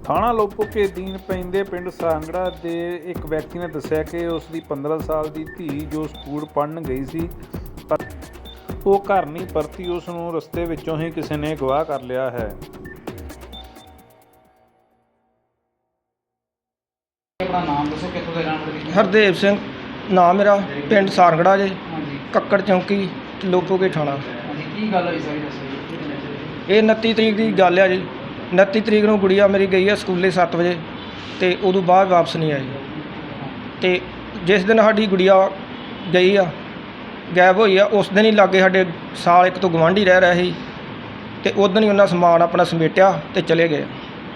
ਥਾਣਾ ਲੋਪੋਕੇ ਅਧੀਨ ਪੈਂਦੇ ਪਿੰਡ ਸਾਂਗੜਾ ਦੇ ਇੱਕ ਵਿਅਕਤੀ ਨੇ ਦੱਸਿਆ ਕਿ ਉਸ ਦੀ 15 ਸਾਲ ਦੀ ਧੀ ਜੋ ਸਕੂਲ ਪੜ੍ਹਨ ਗਈ ਸੀ ਪਰ ਉਹ ਘਰ ਨਹੀਂ ਪਰਤੀ, ਉਸ ਨੂੰ ਰਸਤੇ ਵਿੱਚੋਂ ਹੀ ਕਿਸੇ ਨੇ ਅਗਵਾ ਕਰ ਲਿਆ ਹੈ। ਆਪਣਾ ਨਾਮ ਦੱਸੋ, ਕਿੱਥੋਂ ਦੇ ਰਹਿਣ ਵਾਲੇ? ਹਰਦੇਵ ਸਿੰਘ ਨਾਮ ਮੇਰਾ, ਪਿੰਡ ਸਾਰਗੜਾ ਜੇ, ਕੱਕੜ ਚੌਂਕੀ, ਲੋਪੋਕੇ ਥਾਣਾ। ਕੀ ਗੱਲ ਹੋਈ ਸਾਰੀ ਦੱਸੋ? ਇਹ 29 ਤਰੀਕ ਦੀ ਗੱਲ ਆ ਜੀ। 29 ਤਰੀਕ ਨੂੰ ਗੁੜੀਆ ਮੇਰੀ ਗਈ ਆ ਸਕੂਲੇ 7 ਵਜੇ ਅਤੇ ਉਦੋਂ ਬਾਅਦ ਵਾਪਸ ਨਹੀਂ ਆਈ। ਅਤੇ ਜਿਸ ਦਿਨ ਸਾਡੀ ਗੁੜੀਆ ਗਈ ਆ, ਗਾਇਬ ਹੋਈ ਆ, ਉਸ ਦਿਨ ਹੀ ਲਾਗੇ ਸਾਡੇ ਸਾਲ ਇੱਕ ਤੋਂ ਗੁਆਂਢੀ ਰਹਿ ਰਿਹਾ ਸੀ ਅਤੇ ਉਦੋਂ ਹੀ ਉਹਨਾਂ ਸਮਾਨ ਆਪਣਾ ਸਮੇਟਿਆ ਅਤੇ ਚਲੇ ਗਏ।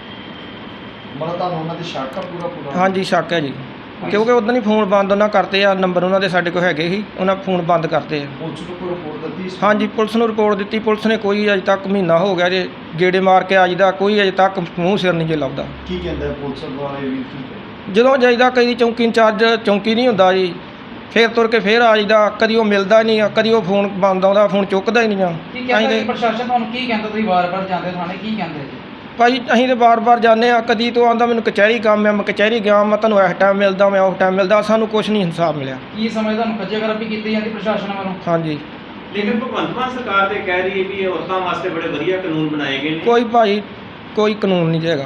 ਮਤਲਬ ਤੁਹਾਨੂੰ ਉਹਨਾਂ ਦੀ ਸ਼ੱਕ ਆ ਪੂਰਾ? ਹਾਂਜੀ, ਸ਼ੱਕ ਹੈ ਜੀ, ਕਿਉਂਕਿ ਉਦੋਂ ਹੀ ਫੋਨ ਬੰਦ ਉਹਨਾਂ ਕਰਤੇ ਆ। ਨੰਬਰ ਉਹਨਾਂ ਦੇ ਸਾਡੇ ਕੋਲ ਹੈਗੇ ਸੀ, ਉਹਨਾਂ ਫੋਨ ਬੰਦ ਕਰਤੇ ਆ। ਪੁਲਿਸ ਨੂੰ ਕੋਈ ਰਿਪੋਰਟ ਦਿੱਤੀ? ਹਾਂਜੀ, ਪੁਲਿਸ ਨੂੰ ਰਿਪੋਰਟ ਦਿੱਤੀ। ਪੁਲਿਸ ਨੇ ਕੋਈ ਅਜੇ ਤੱਕ ਮਹੀਨਾ ਹੋ ਗਿਆ ਜੇ ਗੇੜੇ ਮਾਰ ਕੇ ਆਈਦਾ, ਕੋਈ ਅਜੇ ਤੱਕ ਮੂੰਹ ਸਿਰ ਨਹੀਂ ਜੇ ਲੱਭਦਾ। ਕੀ ਕਹਿੰਦਾ ਪੁਲਿਸ ਵਾਲੇ ਵੀ? ਕੀ ਕਹਿੰਦੇ? ਜਦੋਂ ਜਾਈਦਾ ਕਈ ਚੌਂਕੀ ਇੰਚਾਰਜ ਚੌਂਕੀ ਨਹੀਂ ਹੁੰਦਾ ਜੀ, ਫਿਰ ਤੁਰ ਕੇ ਫਿਰ ਆ ਜਾਈਦਾ। ਕਦੀ ਉਹ ਮਿਲਦਾ ਨਹੀਂ ਆ, ਕਦੀ ਉਹ ਫੋਨ ਬੰਦ ਆਉਂਦਾ, ਫੋਨ ਚੁੱਕਦਾ ਹੀ ਨਹੀਂ ਆ। ਕੀ ਕਹਿੰਦਾ ਪ੍ਰਸ਼ਾਸਨ ਤੁਹਾਨੂੰ? ਕੀ ਕਹਿੰਦਾ? ਤੁਸੀਂ ਵਾਰ-ਵਾਰ ਜਾਂਦੇ ਥਾਣੇ, ਕੀ ਕਹਿੰਦੇ ਜੀ? ਭਾਈ ਅਸੀਂ ਤਾਂ ਵਾਰ-ਵਾਰ ਜਾਂਦੇ ਆ। ਕਦੀ ਤੋਂ ਆਉਂਦਾ ਮੈਨੂੰ ਕਚਹਿਰੀ ਕੰਮ ਹੈ, ਮੈਂ ਕਚਹਿਰੀ ਗਿਆ, ਮੈਂ ਤੁਹਾਨੂੰ ਇਸ ਟਾਈਮ ਮਿਲਦਾ, ਮੈਂ ਉਸ ਟਾਈਮ ਮਿਲਦਾ। ਸਾਨੂੰ ਕੁਛ ਨਹੀਂ ਇਨਸਾਫ ਮਿਲਿਆ। ਕੀ ਸਮਝ ਤੁਹਾਨੂੰ ਖੱਜੇਗਰਾਬੀ ਕੀਤੀ ਜਾਂਦੀ ਪ੍ਰਸ਼ਾਸਨ ਵੱਲੋਂ? ਹਾਂਜੀ, ਲੇਕਿਨ ਭਗਵੰਤ ਮਾਨ ਸਰਕਾਰ ਤੇ ਕਹਿ ਰਹੀ ਹੈ ਵੀ ਇਹ ਔਰਤਾਂ ਵਾਸਤੇ ਬੜੇ ਵਧੀਆ ਕਾਨੂੰਨ ਬਣਾਏ ਗਏ ਨੇ। ਕੋਈ ਭਾਈ ਕੋਈ ਕਾਨੂੰਨ ਨਹੀਂ ਹੈਗਾ।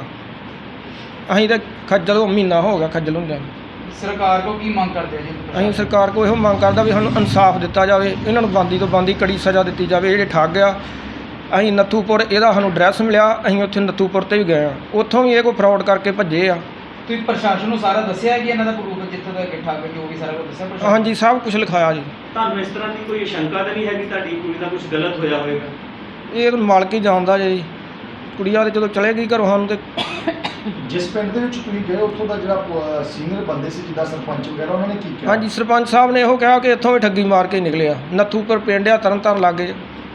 ਅਸੀਂ ਤਾਂ ਖੱਜਲ ਮਹੀਨਾ ਹੋ ਗਿਆ ਖੱਜਲ ਹੁੰਦਿਆਂ। ਸਰਕਾਰ ਕੋਲ ਕੀ ਮੰਗ ਕਰਦੇ ਆ ਜੀ? ਅਸੀਂ ਸਰਕਾਰ ਕੋਲ ਇਹੋ ਮੰਗ ਕਰਦਾ ਵੀ ਸਾਨੂੰ ਇਨਸਾਫ ਦਿੱਤਾ ਜਾਵੇ, ਇਹਨਾਂ ਨੂੰ ਬੰਦੀ ਤੋਂ ਬੰਦੀ ਕੜੀ ਸਜ਼ਾ ਦਿੱਤੀ ਜਾਵੇ। ਜਿਹੜੇ ਠੱਗ ਆ, ਅਸੀਂ ਨੱਥੂਪੁਰ ਇਹਦਾ ਸਾਨੂੰ ਐਡਰੈਸ ਮਿਲਿਆ, ਅਸੀਂ ਉੱਥੇ ਨੱਥੂਪੁਰ 'ਤੇ ਵੀ ਗਏ ਆ, ਉੱਥੋਂ ਵੀ ਇਹ ਕੋਈ ਫਰਾਡ ਕਰਕੇ ਭੱਜੇ ਆ। ਤੁਸੀਂ ਪ੍ਰਸ਼ਾਸਨ ਨੂੰ ਸਾਰਾ ਦੱਸਿਆ ਕਿ ਇਹਨਾਂ ਦਾ ਪ੍ਰੂਫ ਜਿੱਥੋਂ ਦਾ ਠੱਗ ਜੋ ਵੀ ਸਾਰਾ ਕੁਝ ਦੱਸਿਆ ਪ੍ਰਸ਼ਾਸਨ? ਹਾਂਜੀ, ਸਭ ਕੁਝ ਲਿਖਾਇਆ ਜੀ। ਤੁਹਾਨੂੰ ਇਸ ਤਰ੍ਹਾਂ ਦੀ ਕੋਈ ਸ਼ੰਕਾ ਤਾਂ ਨਹੀਂ ਹੈਗੀ ਤੁਹਾਡੀ ਕੁੜੀ ਦਾ ਕੁਝ ਗਲਤ ਹੋਇਆ ਹੋਵੇਗਾ? ਇਹ ਤਾਂ ਮਾਲਕ ਹੀ ਜਾਣਦਾ ਜੀ। ਕੁੜੀਆਂ ਤੇ ਜਦੋਂ ਚਲੇ ਗਈ ਘਰੋਂ ਸਾਨੂੰ ਤੇ ਜਿਸ ਪਿੰਡ ਦੇ ਵਿੱਚ ਤੁਸੀਂ ਗਏ ਉੱਥੋਂ ਦਾ ਜਿਹੜਾ ਸੀਨੀਅਰ ਬੰਦੇ ਸੀ, ਜਿੱਦਾਂ ਸਰਪੰਚ ਵਗੈਰਾ, ਉਹਨਾਂ ਨੇ ਕੀ ਕਿਹਾ? ਹਾਂਜੀ, ਸਰਪੰਚ ਸਾਹਿਬ ਨੇ ਇਹੋ ਕਿਹਾ ਕਿ ਇੱਥੋਂ ਵੀ ਠੱਗੀ ਮਾਰ ਕੇ ਨਿਕਲਿਆ। ਨੱਥੂਪੁਰ ਪਿੰਡ ਆ, ਤਰਨਤਾਰਨ ਲਾਗੇ,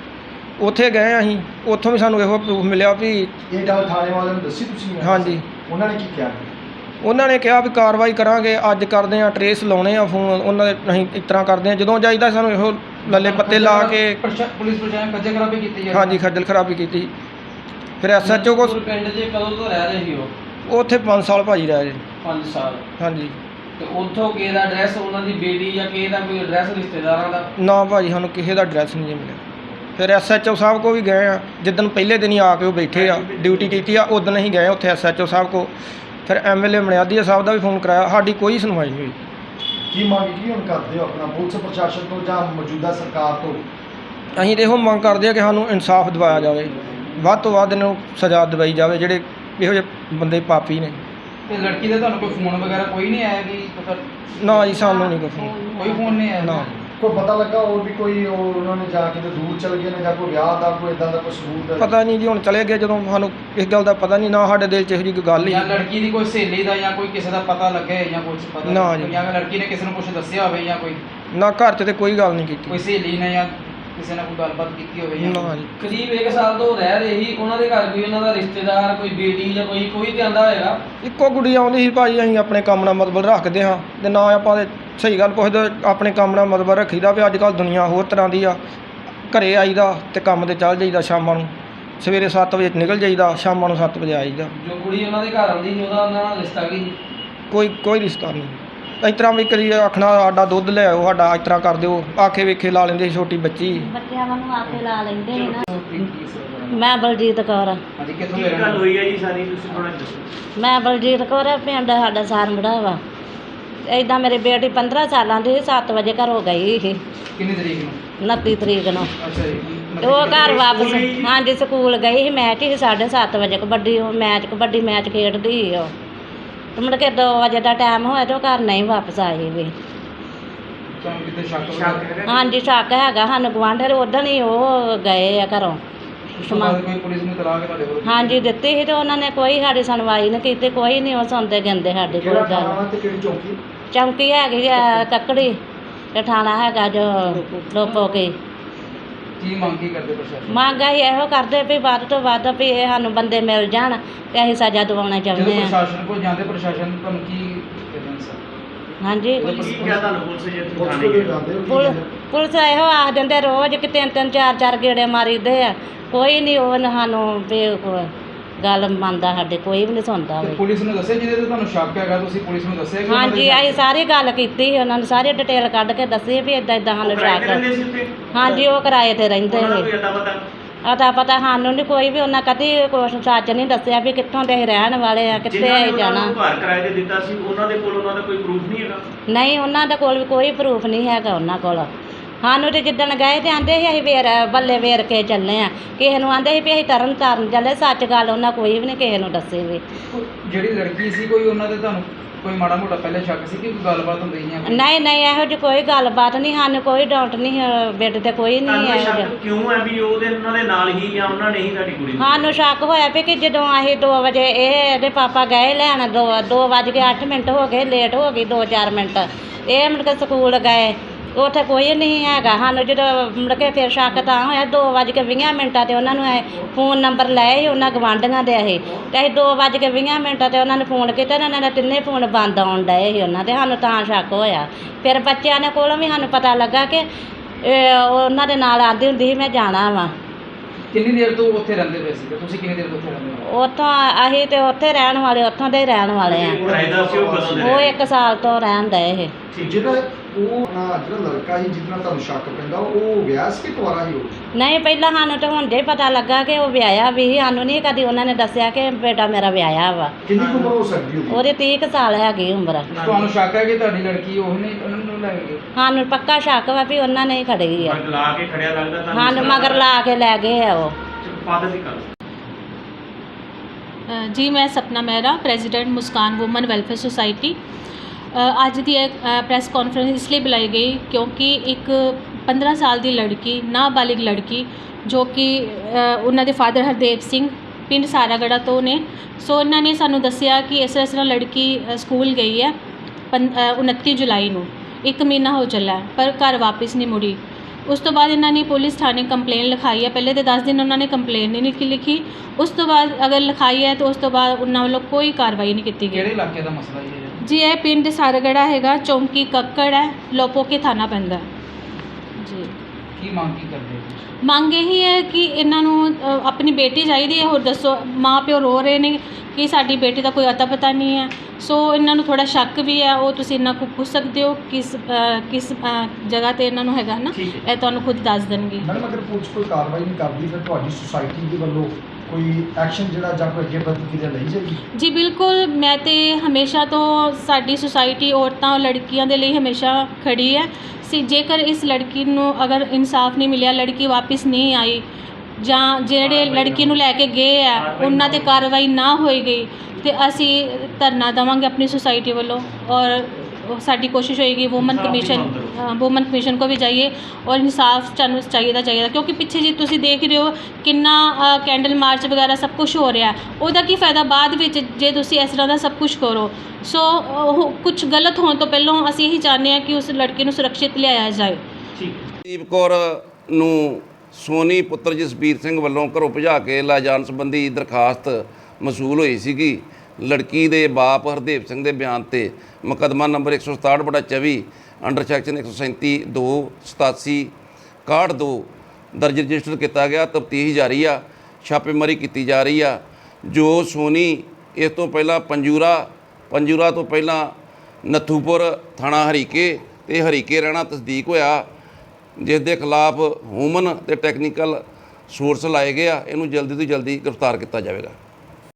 ਉੱਥੇ ਗਏ ਅਸੀਂ, ਉੱਥੋਂ ਵੀ ਸਾਨੂੰ ਇਹੋ ਪ੍ਰੂਫ ਮਿਲਿਆ ਵੀ ਇਹ ਗੱਲ ਥਾਣੇ ਵਾਲਿਆਂ ਨੂੰ ਦੱਸੀ ਤੁਸੀਂ? ਹਾਂਜੀ, ਉਹਨਾਂ ਨੇ ਕੀ ਕਿਹਾ? ਉਹਨਾਂ ਨੇ ਕਿਹਾ ਵੀ ਕਾਰਵਾਈ ਕਰਾਂਗੇ, ਅੱਜ ਕਰਦੇ ਆ, ਟਰੇਸ ਲਾਉਣੇ ਆ ਫੋਨ ਉਹਨਾਂ ਦੇ। ਅਸੀਂ ਇਸ ਤਰ੍ਹਾਂ ਕਰਦੇ ਆ, ਜਦੋਂ ਜਾਈਦਾ ਸਾਨੂੰ ਇਹੋ ਲੱਲੇ ਪੱਤੇ ਲਾ ਕੇ ਪੁਲਿਸ ਪ੍ਰਸ਼ਾਸਨ ਖੱਜੇਗਰਾਬੀ ਕੀਤੀ ਜਾਂਦੀ? ਹਾਂਜੀ, ਖੱਜਲ ਖਰਾਬੀ ਕੀਤੀ। ਫਿਰ SHO ਕੋ ਪਿੰਡ 'ਚ ਕਦੋਂ ਤੋਂ ਰਹਿ ਰਹੇ ਸੀ ਉਹ? ਉੱਥੇ 5 ਸਾਲ ਭਾਜੀ ਰਹੇ ਜੀ। 5 ਸਾਲ? ਹਾਂਜੀ। ਤੇ ਉੱਥੋਂ ਕਿਸੇ ਦਾ ਐਡਰੈਸ, ਉਹਨਾਂ ਦੀ ਬੇਟੀ ਜਾਂ ਕਿਸੇ ਦਾ ਕੋਈ ਐਡਰੈਸ ਰਿਸ਼ਤੇਦਾਰਾਂ ਦਾ? ਨਾ ਭਾਜੀ, ਸਾਨੂੰ ਕਿਸੇ ਦਾ ਐਡਰੈਸ ਨਹੀਂ ਜੀ ਮਿਲਿਆ। ਫਿਰ SHO ਸਾਹਿਬ ਕੋ ਵੀ ਗਏ ਆ, ਜਿੱਦਣ ਪਹਿਲੇ ਦਿਨ ਹੀ ਆ ਕੇ ਉਹ ਬੈਠੇ ਆ, ਡਿਊਟੀ ਕੀਤੀ ਆ, ਉਦੋਂ ਅਸੀਂ ਗਏ ਉੱਥੇ SHO ਸਾਹਿਬ ਕੋ। ਫਿਰ MLA ਮਣਿਆਦੀਆ ਸਾਹਿਬ ਦਾ ਵੀ ਫੋਨ ਕਰਾਇਆ, ਸਾਡੀ ਕੋਈ ਸੁਣਵਾਈ ਨਹੀਂ ਹੋਈ। ਕੀ ਮੰਗ ਕੀ ਹੁਣ ਕਰਦੇ ਹੋ ਆਪਣਾ ਪੁਲਿਸ ਪ੍ਰਸ਼ਾਸਨ ਤੋਂ ਜਾਂ ਮੌਜੂਦਾ ਸਰਕਾਰ ਤੋਂ? ਅਸੀਂ ਤਾਂ ਇਹੋ ਮੰਗ ਕਰਦੇ ਆ ਕਿ ਸਾਨੂੰ ਇਨਸਾਫ ਦਿਵਾਇਆ ਜਾਵੇ, ਵੱਧ ਤੋਂ ਵੱਧ ਇਹਨਾਂ ਨੂੰ ਸਜ਼ਾ ਦਿਵਾਈ ਜਾਵੇ ਜਿਹੜੇ ਇਹੋ ਜਿਹੇ ਬੰਦੇ ਪਾਪੀ ਨੇ। ਤੇ ਲੜਕੀ ਦਾ ਤੁਹਾਨੂੰ ਕੋਈ ਫੋਨ ਵਗੈਰਾ ਕੋਈ ਨਹੀਂ ਆਇਆ ਕਿ ਨਾ ਜੀ, ਸਾਨੂੰ ਨਹੀਂ ਕੋਈ ਫੋਨ। ਕੋਈ ਫੋਨ ਨਹੀਂ ਆਇਆ? ਨਾ। ਕੋਈ ਪਤਾ ਲੱਗਾ ਹੋਰ ਵੀ ਕੋਈ ਉਹਨਾਂ ਨੇ ਜਾ ਕੇ ਦੂਰ ਚਲ ਗਏ ਨੇ, ਜਾਂ ਕੋਈ ਵਿਆਹ ਦਾ ਕੋਈ ਇਦਾਂ ਦਾ ਕੋਈ ਸਬੂਤ? ਪਤਾ ਨਹੀਂ ਜੀ, ਹੁਣ ਚਲੇ ਗਏ ਜਦੋਂ, ਸਾਨੂੰ ਇਸ ਗੱਲ ਦਾ ਪਤਾ ਨਹੀਂ। ਨਾ ਸਾਡੇ ਦਿਲ 'ਚ ਇਹੋ ਜਿਹੀ ਕੋਈ ਗੱਲ ਹੀ ਜਾਂ ਲੜਕੀ ਦੀ ਕੋਈ ਸਹੇਲੀ ਦਾ ਜਾਂ ਕੋਈ ਕਿਸੇ ਦਾ ਪਤਾ ਲੱਗੇ ਜਾਂ ਕੁਝ ਪਤਾ? ਨਾ ਜੀ। ਜਾਂ ਲੜਕੀ ਨੇ ਕਿਸੇ ਨੂੰ ਕੁਝ ਦੱਸਿਆ ਹੋਵੇ ਜਾਂ ਕੋਈ ਨਾ, ਘਰ 'ਚ ਤੇ ਕੋਈ ਗੱਲ ਨਹੀਂ ਕੀਤੀ। ਕੋਈ ਸਹੇਲੀ ਨੇ ਜਾਂ ਕਿਸੇ ਨਾਲ ਕੋਈ ਗੱਲਬਾਤ ਕੀਤੀ ਹੋਵੇ? ਨਾ ਜੀ। ਕਰੀਬ 1 ਸਾਲ ਤੋਂ ਰਹਿ ਰਹੇ ਸੀ, ਉਹਨਾਂ ਦੇ ਘਰ ਕੋਈ ਉਹਨਾਂ ਦਾ ਰਿਸ਼ਤੇਦਾਰ, ਕੋਈ ਬੇਟੀ ਜਾਂ ਕੋਈ ਤੇ ਆਂਦਾ ਹੋਏਗਾ? ਇੱਕੋ ਗੁੱਡੀ ਆਉਂਦੀ ਸੀ ਭਾਜੀ। ਅਸੀਂ ਆਪਣੇ ਕੰਮ ਨਾਲ ਮਤਲਬ ਰੱਖਦੇ ਹਾਂ, ਤੇ ਨਾ ਆਪਾਂ ਤੇ ਸਹੀ ਗੱਲ ਪੁੱਛਦੇ, ਆਪਣੇ ਕੰਮ ਨਾਲ ਮਤਲਬ ਰੱਖੀਦਾ ਵੀ ਅੱਜ ਕੱਲ੍ਹ ਦੁਨੀਆ ਹੋਰ ਤਰ੍ਹਾਂ ਦੀ ਆ। ਘਰੇ ਆਈਦਾ ਤੇ ਕੰਮ ਤੇ ਚੱਲ ਜਾਈਦਾ, ਸ਼ਾਮਾਂ ਨੂੰ ਸਵੇਰੇ 7 ਵਜੇ ਨਿਕਲ ਜਾਈਦਾ, ਸ਼ਾਮਾਂ ਨੂੰ 7 ਵਜੇ ਆਈਦਾ। ਜੋ ਕੁੜੀ ਉਹਨਾਂ ਦੇ ਘਰ ਆਉਂਦੀ ਸੀ ਉਹਦਾ ਉਹਨਾਂ ਨਾਲ ਰਿਸ਼ਤਾ ਕੀ ਸੀ? ਕੋਈ ਰਿਸ਼ਤਾ ਨਹੀਂ। ਇਸ ਤਰ੍ਹਾਂ ਵੀ ਕਦੀ ਆਖਣਾ ਸਾਡਾ ਦੁੱਧ ਲੈ ਆਓ, ਸਾਡਾ ਇਸ ਤਰ੍ਹਾਂ ਕਰ ਦਿਓ, ਆਖੇ ਵੇਖੇ ਲਾ ਲੈਂਦੇ ਸੀ। ਛੋਟੀ ਬੱਚੀ ਬੱਚਿਆਂ ਨੂੰ ਆਖੇ ਲਾ ਲੈਂਦੇ ਨੇ ਨਾ। ਮੈਂ ਮੈਂ ਬਲਜੀਤ ਕੌਰ ਆ। ਹਾਂਜੀ, ਕਿੱਥੋਂ ਕੀ ਦੇ ਰਹਿਣ ਗੱਲ ਵਾਲੇ? ਹੋਈ ਹੈ ਜੀ ਸਾਰੀ, ਤੁਸੀਂ ਥੋੜਾ ਦੱਸੋ। ਮੈਂ ਬਲਜੀਤ ਕੌਰ ਆ, ਪਿੰਡ ਸਾਡਾ ਸਾਰੰਗੜਾ ਵਾ। ਇੱਦਾਂ ਮੇਰੀ ਬੇਟੀ 15 ਸਾਲਾਂ ਦੀ ਸੀ, 7 ਵਜੇ ਘਰੋਂ ਗਈ ਸੀ, ਕਿੰਨੀ ਤਰੀਕ ਨੂੰ? 29 ਤਰੀਕ ਨੂੰ। ਅੱਛਾ ਜੀ। ਤੇ ਉਹ ਘਰ ਵਾਪਸ, ਹਾਂਜੀ, ਸਕੂਲ ਗਈ ਸੀ। ਮੈਚ ਸੀ 7:30 ਵਜੇ ਕਬੱਡੀ ਮੈਚ ਖੇਡਦੀ ਸੀ ਉਹ। ਤੇ ਮੁੜ ਕੇ 2 ਵਜੇ ਦਾ ਟਾਈਮ ਹੋਇਆ ਤੇ ਉਹ ਘਰ ਨਹੀਂ ਵਾਪਸ ਆਈ ਵੀ। ਤੁਹਾਨੂੰ ਕਿਤੇ ਸ਼ੱਕ? ਹਾਂਜੀ, ਸ਼ੱਕ ਹੈਗਾ ਸਾਨੂੰ। ਗੁਆਂਢੀ ਉਦੋਂ ਹੀ ਉਹ ਗਏ ਆ ਘਰੋਂ। ਕੋਈ ਪੁਲਿਸ ਨੂੰ ਤਲਾਕ ਤੁਹਾਡੇ ਕੋਲ? ਹਾਂਜੀ, ਦਿੱਤੀ ਸੀ ਤੇ ਉਹਨਾਂ ਨੇ ਕੋਈ ਸਾਡੀ ਸੁਣਵਾਈ ਨਹੀਂ ਕੀਤੀ, ਕੋਈ ਨਹੀਂ ਉਹ ਸੁਣਦੇ ਗਿੰਦੇ ਸਾਡੀ ਕੋਈ ਕਿਹੜਾ ਗੱਲ। ਥਾਣਾ ਤੇ ਕਿਹੜੀ ਚੌਂਕੀ? ਚੌਂਕੀ ਹੈਗੀ ਆ ਕੱਕੜੀ, ਤੇ ਥਾਣਾ ਹੈਗਾ ਜੋ ਲੋਪੋਕੇ। ਕੀ ਮੰਗ ਕੀ ਕਰਦੇ ਪ੍ਰਸ਼ਾਸਨ? ਮੰਗ ਅਸੀਂ ਇਹੋ ਕਰਦੇ ਵੀ ਵੱਧ ਤੋਂ ਵੱਧ ਵੀ ਇਹ ਸਾਨੂੰ ਬੰਦੇ ਮਿਲ ਜਾਣ ਤੇ ਅਸੀਂ ਸਜ਼ਾ ਦਿਵਾਉਣਾ ਚਾਹੁੰਦੇ ਜਦੋਂ ਹਾਂ। ਪ੍ਰਸ਼ਾਸਨ ਕੋਲ ਜਾਂਦੇ, ਪ੍ਰਸ਼ਾਸਨ ਤੁਹਾਨੂੰ ਕੀ ਕਹਿੰਦਾ ਸਰ? ਹਾਂਜੀ, ਕੀ ਕਿਹਾ ਤੁਹਾਨੂੰ ਪੁਲਿਸ ਜੇ ਪੁਲਿਸ ਥਾਣੇ ਕੋਲ ਗਏ? ਜਾਂਦੇ ਹੋ? ਕੀ ਪੁਲ- ਕਹਿੰਦੇ? ਪੁਲਿਸ ਇਹੋ ਆਖ ਦਿੰਦੇ ਰੋਜ਼ ਕਿ 3-3 4-4 ਗੇੜੇ ਮਾਰੀਦੇ ਆ, ਕੋਈ ਨਹੀਂ ਉਹ ਸਾਨੂੰ ਗੱਲ ਮੰਨਦਾ, ਸਾਡੇ ਕੋਈ ਵੀ ਨਹੀਂ ਸੁਣਦਾ ਤੇ ਵੀ। ਪੁਲਿਸ ਨੂੰ ਦੱਸਿਆ ਜਿਹਦੇ ਤੇ ਤੁਹਾਨੂੰ ਸ਼ੱਕ ਹੈਗਾ, ਤੁਸੀਂ ਪੁਲਿਸ ਨੂੰ ਦੱਸਿਆ ਕਿ ਉਹਨਾਂ ਦੇ ਹਾਂਜੀ ਸ਼ੱਕ- ਅਸੀਂ ਸਾਰੀ ਗੱਲ ਕੀਤੀ ਸੀ, ਉਹਨਾਂ ਨੇ ਸਾਰੀ ਡਿਟੇਲ ਕੱਢ ਕੇ ਦੱਸੀ ਵੀ ਇਦਾਂ ਇਦਾਂ ਸਾਨੂੰ ਕਿਰਾਏ ਤੇ ਸ਼ੱਕ। ਰਹਿੰਦੇ ਸੀ ਉੱਥੇ? ਹਾਂਜੀ ਉਹ ਕਿਰਾਏ ਤੇ ਰਹਿੰਦੇ ਉਹਨਾਂ ਦਾ ਸੀ। ਕੋਈ ਅਤਾ ਪਤਾ? ਅਤਾ ਪਤਾ ਸਾਨੂੰ ਨਹੀਂ ਕੋਈ ਵੀ, ਉਹਨਾਂ ਕਦੀ ਕੁਛ ਸੱਚ ਨਹੀਂ ਦੱਸਿਆ ਵੀ ਕਿੱਥੋਂ ਦੇ ਅਸੀਂ ਰਹਿਣ ਵਾਲੇ ਆ, ਕਿੱਥੇ ਜਿਨ੍ਹਾਂ ਨੇ ਅਸੀਂ ਉਹਨਾਂ ਜਾਣਾ। ਨੂੰ ਘਰ ਕਿਰਾਏ ਤੇ ਦਿੱਤਾ ਸੀ ਉਹਨਾਂ ਦੇ ਕੋਲ ਉਹਨਾਂ ਦਾ ਕੋਈ ਪ੍ਰੂਫ ਨਹੀਂ ਹੈਗਾ? ਨਹੀਂ ਉਹਨਾਂ ਦੇ ਕੋਲ ਵੀ ਕੋਈ ਪ੍ਰੂਫ ਨਹੀਂ ਹੈਗਾ ਉਹਨਾਂ ਕੋਲ। ਸਾਨੂੰ ਤੇ ਜਿੱਦਣ ਗਏ ਤੇ ਆਂਦੇ ਸੀ ਅਸੀਂ ਬੱਲੇ ਵੇਰ ਕੇ ਚੱਲੇ ਆ, ਕਿਸੇ ਨੂੰ ਆਂਦੇ ਸੀ ਵੀ ਅਸੀਂ ਤਰਨ ਤਾਰਨ ਚੱਲੇ। ਸੱਚ ਗੱਲ ਉਹਨਾਂ ਕੋਈ ਵੀ ਨਹੀਂ ਕਿਸੇ ਨੂੰ ਦੱਸੀ ਵੀ। ਜਿਹੜੀ ਲੜਕੀ ਸੀ ਕੋਈ ਉਹਨਾਂ ਦੇ ਤੁਹਾਨੂੰ ਕੋਈ ਮਾੜਾ ਮੋਟਾ ਪਹਿਲੇ ਸ਼ੱਕ ਸੀ ਕਿ ਕੋਈ ਗੱਲਬਾਤ ਹੁੰਦੀ ਜਾਂ ਕੋਈ? ਨਹੀਂ ਨਹੀਂ ਇਹੋ ਜਿਹੀ ਕੋਈ ਗੱਲਬਾਤ ਨਹੀਂ, ਸਾਨੂੰ ਕੋਈ ਡਾਊਟ ਨਹੀਂ ਬੈੱਡ ਤੇ ਕੋਈ ਨਹੀਂ ਤੁਹਾਨੂੰ ਇਹ ਇਹੋ ਜਿਹਾ। ਸ਼ੱਕ ਕਿਉਂ ਹੈ ਵੀ ਉਹਨਾਂ ਦੇ ਨਾਲ ਹੀ ਜਾਂ ਉਹਨਾਂ ਨੇ ਹੀ ਤੁਹਾਡੀ ਕੁੜੀ ਨੂੰ? ਸਾਨੂੰ ਸ਼ੱਕ ਹੋਇਆ ਵੀ ਕਿ ਜਦੋਂ ਅਸੀਂ 2 ਵਜੇ ਇਹਦੇ ਪਾਪਾ ਗਏ ਲੈਣ, 2:08 ਹੋ ਗਏ, ਲੇਟ ਹੋ ਗਈ 2-4 ਮਿੰਟ। ਇਹ ਮੁੜ ਕੇ ਸਕੂਲ ਗਏ, ਉੱਥੇ ਕੋਈ ਨਹੀਂ ਹੈਗਾ। ਸਾਨੂੰ ਜਦੋਂ ਮੁੜ ਕੇ ਫਿਰ ਸ਼ੱਕ ਤਾਂ ਹੋਇਆ 2:20 ਤੇ ਉਹਨਾਂ ਨੂੰ ਫੋਨ ਨੰਬਰ ਲਏ ਸੀ ਉਹਨਾਂ ਗਵਾਂਢੀਆਂ ਦੇ ਅਸੀਂ, ਤੇ ਅਸੀਂ 2:20 ਤੇ ਉਹਨਾਂ ਨੂੰ ਫੋਨ ਕੀਤਾ ਤੇ ਉਹਨਾਂ ਦੇ ਤਿੰਨੇ ਫੋਨ ਬੰਦ ਆਉਣ ਡਏ ਸੀ ਉਹਨਾਂ ਦੇ। ਸਾਨੂੰ ਤਾਂ ਸ਼ੱਕ ਹੋਇਆ। ਫਿਰ ਬੱਚਿਆਂ ਦੇ ਕੋਲੋਂ ਵੀ ਸਾਨੂੰ ਪਤਾ ਲੱਗਾ ਕਿ ਉਹਨਾਂ ਦੇ ਨਾਲ ਆਂਦੀ ਹੁੰਦੀ ਸੀ ਮੈਂ ਜਾਣਾ ਵਾ। ਕਿੰਨੀ ਦੇਰ ਤੋਂ ਉੱਥੇ ਰਹਿੰਦੇ ਪਏ ਸੀ ਤੇ ਤੁਸੀਂ ਕਿੰਨੀ ਦੇਰ ਤੋਂ ਉੱਥੇ ਰਹਿੰਦੇ ਹੋ? ਉੱਥੋਂ ਅਸੀਂ ਤੇ ਉੱਥੇ ਰਹਿਣ ਵਾਲੇ, ਉੱਥੋਂ ਦੇ ਹੀ ਰਹਿਣ ਵਾਲੇ ਆ। ਕਿਰਾਏਦਾਰ ਸੀ ਉਹ ਕਦੋਂ ਦੇ ਉਹ ਰਹੇ? 1 ਸਾਲ ਤੋਂ ਰਹਿਣ ਡਏ ਇਹ। ਜਿਹੜਾ ਜਿਹੜਾ ਲੜਕਾ ਸੀ ਜਿਹਦੇ ਨਾਲ ਤੁਹਾਨੂੰ ਸ਼ੱਕ ਪੈਂਦਾ, ਉਹ ਵਿਆਹ ਸੀ ਕਿ ਕੁਆਰਾ ਸੀ ਉਹ? ਨਹੀਂ ਪਹਿਲਾਂ ਸਾਨੂੰ ਤਾਂ ਹੁਣ ਜੇ ਪਤਾ ਲੱਗਾ ਕਿ ਉਹ ਵਿਆਹਿਆ ਵੀ ਸੀ। ਸਾਨੂੰ ਨਹੀਂ ਕਦੀ ਉਹਨਾਂ ਨੇ ਦੱਸਿਆ ਕਿ ਬੇਟਾ ਮੇਰਾ ਵਿਆਹਿਆ ਵਾ। ਕਿੰਨੀ ਕੁ ਉਮਰ ਹੋ ਸਕਦੀ ਹੋਊਗੀ? ਉਹਦੀ 30 ਕੁ ਸਾਲ ਹੈਗੀ ਉਮਰ। ਤੁਹਾਨੂੰ ਸ਼ੱਕ ਹੈ ਕਿ ਤੁਹਾਡੀ ਲੜਕੀ ਉਹ ਨੇ ਉਹਨਾਂ ਨੂੰ ਲੈ ਗਏ? ਸਾਨੂੰ ਪੱਕਾ ਸ਼ੱਕ ਵਾ ਵੀ ਉਹਨਾਂ ਨੇ ਹੀ ਖੜੀ ਆ। ਮਗਰ ਲਾ ਕੇ ਖੜਿਆ ਲੱਗਦਾ ਤੁਹਾਨੂੰ? ਸਾਨੂੰ ਮਗਰ ਲਾ ਕੇ ਲੈ ਗਏ ਆ ਉਹ। ਫਾਦਰ ਦੀ ਗੱਲ। ਜੀ ਮੈਂ Sapna Mehra, president Muskaan woman welfare society. ਅੱਜ ਦੀ ਇਹ ਪ੍ਰੈਸ ਕਾਨਫਰੰਸ ਇਸ ਲਈ ਬੁਲਾਈ ਗਈ ਕਿਉਂਕਿ ਇੱਕ 15 ਸਾਲ ਦੀ ਲੜਕੀ, ਨਾਬਾਲਿਗ ਲੜਕੀ, ਜੋ ਕਿ ਉਹਨਾਂ ਦੇ ਫਾਦਰ ਹਰਦੇਵ ਸਿੰਘ ਪਿੰਡ ਸਾਰਾਗੜਾ ਤੋਂ ਨੇ। ਸੋ ਇਹਨਾਂ ਨੇ ਸਾਨੂੰ ਦੱਸਿਆ ਕਿ ਇਸ ਤਰ੍ਹਾਂ ਲੜਕੀ ਸਕੂਲ ਗਈ ਹੈ 29 ਜੁਲਾਈ ਨੂੰ, 1 ਮਹੀਨਾ ਹੋ ਚੱਲਾ ਹੈ, ਪਰ ਘਰ ਵਾਪਸ ਨਹੀਂ ਮੁੜੀ। ਉਸ ਤੋਂ ਬਾਅਦ ਇਹਨਾਂ ਨੇ ਪੁਲਿਸ ਥਾਣੇ ਕੰਪਲੇਨ ਲਿਖਾਈ ਹੈ। ਪਹਿਲੇ ਤਾਂ 10 ਦਿਨ ਉਹਨਾਂ ਨੇ ਕੰਪਲੇਨ ਨਹੀਂ ਲਿਖੀ। ਉਸ ਤੋਂ ਬਾਅਦ ਅਗਰ ਲਿਖਾਈ ਹੈ ਤਾਂ ਉਸ ਤੋਂ ਬਾਅਦ ਉਹਨਾਂ ਵੱਲੋਂ ਕੋਈ ਕਾਰਵਾਈ ਨਹੀਂ ਕੀਤੀ ਕਿਹੜੇ ਗਈ। ਇਲਾਕੇ ਦਾ ਮਸਲਾ ਇਹ ਹੈ? ਜੀ ਇਹ ਪਿੰਡ ਸਾਰਾਗੜਾ ਹੈਗਾ, ਚੌਂਕੀ ਕੱਕੜ ਹੈ, ਲੋਪੋਕੇ ਥਾਣਾ ਪੈਂਦਾ ਹੈ। ਜੀ ਕੀ ਮੰਗ ਕੀ ਕਰਦੇ ਹੋ ਤੁਸੀਂ? ਮੰਗ ਇਹੀ ਹੈ ਕਿ ਇਹਨਾਂ ਨੂੰ ਆਪਣੀ ਬੇਟੀ ਚਾਹੀਦੀ ਹੈ। ਹੋਰ ਦੱਸੋ, ਮਾਂ ਪਿਓ ਰੋ ਰਹੇ ਨੇ ਕਿ ਸਾਡੀ ਬੇਟੀ ਦਾ ਕੋਈ ਅਤਾ ਪਤਾ ਨਹੀਂ ਹੈ। ਸੋ ਇਹਨਾਂ ਨੂੰ ਥੋੜਾ ਸ਼ੱਕ ਵੀ ਹੈ, ਉਹ ਤੁਸੀਂ ਇਹਨਾਂ ਕੋਲ ਪੁੱਛ ਸਕਦੇ ਹੋ ਕਿਸ ਜਗ੍ਹਾ ਤੇ ਇਹਨਾਂ ਨੂੰ ਹੈਗਾ ਨਾ, ਇਹ ਤੁਹਾਨੂੰ ਖੁਦ ਦੱਸ ਦੇਣਗੇ। ਮੈਡਮ ਅਗਰ ਪੁਲਿਸ ਕੋਈ ਕਾਰਵਾਈ ਨਹੀਂ ਕਰਦੀ ਫਿਰ ਤੁਹਾਡੀ ਸੁਸਾਇਟੀ ਦੇ ਵੱਲੋਂ ਕੋਈ ਐਕਸ਼ਨ ਜਿਹੜਾ ਜਾਂ ਕੋਈ ਅੱਗੇ ਪ੍ਰਤੀਕਿਰਿਆ ਲਈ ਜਾਏਗੀ? ਜੀ ਬਿਲਕੁਲ, ਮੈਂ ਤੇ ਹਮੇਸ਼ਾ ਤੋਂ ਸਾਡੀ ਸੁਸਾਇਟੀ ਔਰਤਾਂ ਔਰ ਲੜਕੀਆਂ ਦੇ ਲਈ ਹਮੇਸ਼ਾ ਖੜੀ ਹੈ। ਜੇਕਰ ਇਸ ਲੜਕੀ ਨੂੰ ਅਗਰ ਇਨਸਾਫ ਨਹੀਂ ਮਿਲਿਆ, ਲੜਕੀ ਵਾਪਸ ਨਹੀਂ ਆਈ, ਜਾਂ ਜਿਹੜੇ ਲੜਕੀ ਨੂੰ ਲੈ ਕੇ ਗਏ ਆ ਉਹਨਾਂ 'ਤੇ ਕਾਰਵਾਈ ਨਾ ਹੋਈ ਗਈ, ਤੇ ਅਸੀਂ ਧਰਨਾ ਦੇਵਾਂਗੇ ਆਪਣੀ ਸੁਸਾਇਟੀ ਵੱਲੋਂ। ਔਰ ਸਾਡੀ ਕੋਸ਼ਿਸ਼ ਹੋਏਗੀ ਵੂਮਨ ਕਮਿਸ਼ਨ ਕੋ ਵੀ ਜਾਈਏ ਔਰ ਇਨਸਾਫ ਸਾਨੂੰ ਚਾਹੀਦਾ ਕਿਉਂਕਿ ਪਿੱਛੇ ਜੀ ਤੁਸੀਂ ਦੇਖ ਰਹੇ ਹੋ ਕਿੰਨਾ ਕੈਂਡਲ ਮਾਰਚ ਵਗੈਰਾ ਸਭ ਕੁਝ ਹੋ ਰਿਹਾ। ਉਹਦਾ ਕੀ ਫਾਇਦਾ ਬਾਅਦ ਵਿੱਚ ਜੇ ਤੁਸੀਂ ਇਸ ਤਰ੍ਹਾਂ ਦਾ ਸਭ ਕੁਝ ਕਰੋ। ਸੋ ਕੁਝ ਗਲਤ ਹੋਣ ਤੋਂ ਪਹਿਲਾਂ ਅਸੀਂ ਇਹੀ ਚਾਹੁੰਦੇ ਹਾਂ ਕਿ ਉਸ ਲੜਕੀ ਨੂੰ ਸੁਰੱਖਿਅਤ ਲਿਆਇਆ ਜਾਏ। ਦੀਪ ਕੌਰ ਨੂੰ ਸੋਨੀ ਪੁੱਤਰ ਜਸਬੀਰ ਸਿੰਘ ਵੱਲੋਂ ਘਰੋਂ ਭਜਾ ਕੇ ਲੈ ਜਾਣ ਸੰਬੰਧੀ ਦਰਖਾਸਤ ਮਸੂਲ ਹੋਈ ਸੀਗੀ। ਲੜਕੀ ਦੇ ਬਾਪ ਹਰਦੇਵ ਸਿੰਘ ਦੇ ਬਿਆਨ ਤੇ ਮੁਕੱਦਮਾ ਨੰਬਰ 167/24 ਅੰਡਰ ਸੈਕਸ਼ਨ 137(2) 87 61 ਦਰਜ ਰਜਿਸਟਰ ਕੀਤਾ ਗਿਆ। ਤਫਤੀਸ਼ ਜਾਰੀ ਆ, ਛਾਪੇਮਾਰੀ ਕੀਤੀ ਜਾ ਰਹੀ ਆ। ਜੋ ਸੋਨੀ ਇਸ ਤੋਂ ਪਹਿਲਾਂ ਪੰਜੂਰਾ ਤੋਂ ਪਹਿਲਾਂ ਨੱਥੂਪੁਰ ਥਾਣਾ ਹਰੀਕੇ ਤੇ ਹਰੀਕੇ ਰਹਿਣਾ ਤਸਦੀਕ ਹੋਇਆ, ਜਿਸ ਦੇ ਖਿਲਾਫ ਹਿਊਮਨ ਤੇ ਟੈਕਨੀਕਲ ਸੋਰਸ ਲਾਏ ਗਏ ਆ। ਇਹਨੂੰ ਜਲਦੀ ਤੋਂ ਜਲਦੀ ਗ੍ਰਿਫਤਾਰ ਕੀਤਾ ਜਾਵੇਗਾ।